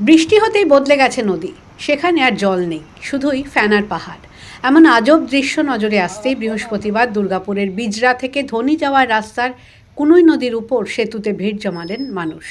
বৃষ্টি হতেই বদলে গেছে নদী। সেখানে আর জল নেই, শুধুই ফ্যানার পাহাড়। এমন আজব দৃশ্য নজরে আসতেই বৃহস্পতিবার দুর্গাপুরের বিজরা থেকে ধনি যাওয়ার রাস্তার কুনুই নদীর উপর সেতুতে ভিড় জমালেন মানুষ।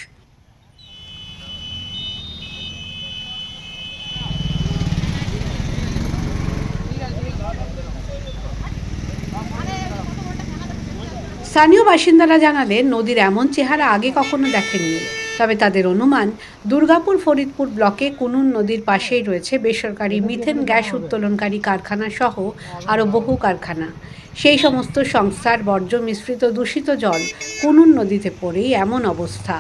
স্থানীয় বাসিন্দারা জানালেন, নদীর এমন চেহারা আগে কখনো দেখেননি। তবে তাদের অনুমান, দুর্গাপুর ফরিদপুর ব্লকে কুনুন নদীর পাশেই রয়েছে বেসরকারি মিথেন গ্যাস উত্তোলনকারী কারখানা সহ আরও বহু কারখানা। সেই সমস্ত সংস্থার বর্জ্য মিশ্রিত দূষিত জল কুনুন নদীতে পড়েই এমন অবস্থা।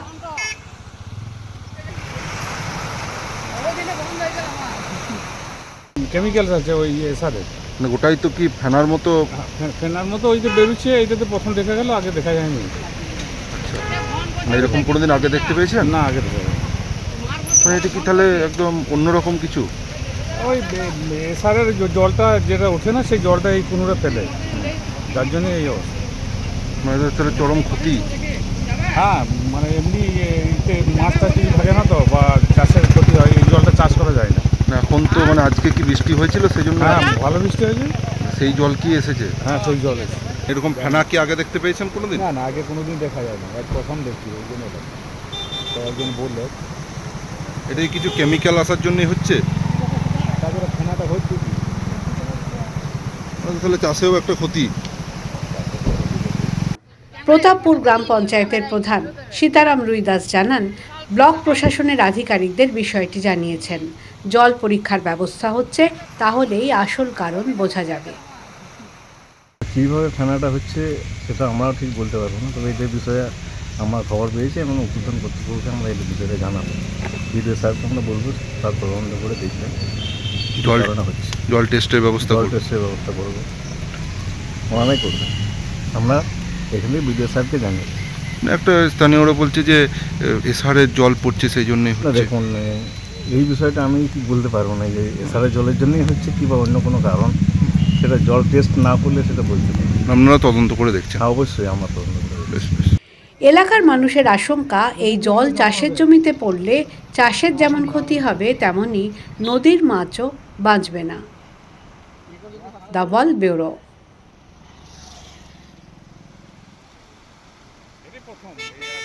কেমিক্যালস আছে ওই সারে, মানে গোটাই তো কি ফেনার মতো? ফেনার মতো ওই যে বেরোচ্ছে, এইটা তো প্রথম দেখা গেল, আগে দেখা যায়নি। মানে এরকম কোনোদিন আগে দেখতে পেয়েছেন? না, আগে দেখা যায়নি। মানে এটা কি তাহলে একদম অন্যরকম কিছু? ওই সারের জলটা যেটা ওঠে না, সেই জলটা এই কুনুরে ফেলে, যার জন্য এই অবস্থা। মানে এদের তাহলে চরম ক্ষতি। হ্যাঁ, মানে এমনি এতে মাছ টাছ কিছু থাকে না তো, বা চাষের ক্ষতি হয়, এই জলটা চাষ করা যায় না। না, এখন তো মানে আজকে কি বৃষ্টি হয়েছিল সেই জন্য? হ্যাঁ, ভালো বৃষ্টি হয়েছে। সেই জল কি এসেছে? হ্যাঁ, সেই জল এসে। এরকম ফেনা কি আগে দেখতে পেয়েছেন কোনোদিন? না না, আগে কোনোদিন দেখা যায় না, এক প্রথম দেখছি, ওই জন্য এটা। তো একজন বললো এটা কি কিছু কেমিক্যাল আসার জন্যই হচ্ছে? তারপরে ফেনাটা হচ্ছে কি, তাহলে চাষেও একটা ক্ষতি। প্রতাপপুর গ্রাম পঞ্চায়েতের প্রধান সীতারাম রুইদাস জানান, ব্লক প্রশাসনের আধিকারিকদের বিষয়টি জানিয়েছেন। জল পরীক্ষার ব্যবস্থা হচ্ছে, তাহলেই আসল কারণ বোঝা যাবে। কীভাবে ফেনাটা হচ্ছে সেটা আমরাও ঠিক বলতে পারবো না, তবে এদের বিষয়ে আমরা খবর পেয়েছি এবং উদ্বোধন কর্তৃপক্ষকে আমরা এই বিষয়টা জানাবো। বিডিও স্যারকে আমরা বলবো, তার তদন্ত করে দেখবেন জল হচ্ছে। জল টেস্টের ব্যবস্থা জল টেস্টের ব্যবস্থা করবো, ওনারাই করবেন। আমরা এখানে বিডিও স্যারকে জানি। একটা স্থানীয়রা বলছে যে এসআরের জল পড়ছে সেই জন্যই না হচ্ছে। দেখুন, এই বিষয়টা আমি কি বলতে পারবো না যে এসআরের জলের জন্যই হচ্ছে কি বা অন্য কোনো কারণ, সেটা জল টেস্ট না করলে সেটা বলতে পারবো না। আপনারা তদন্ত করে দেখছেন? হ্যাঁ, অবশ্যই আমরা তদন্ত করে বেশ বেশ। এলাকার মানুষের আশঙ্কা, এই জল চাষের জমিতে পড়লে চাষের যেমন ক্ষতি হবে, তেমনি নদীর মাছও বাঁচবে না। The world bureau. প্রথম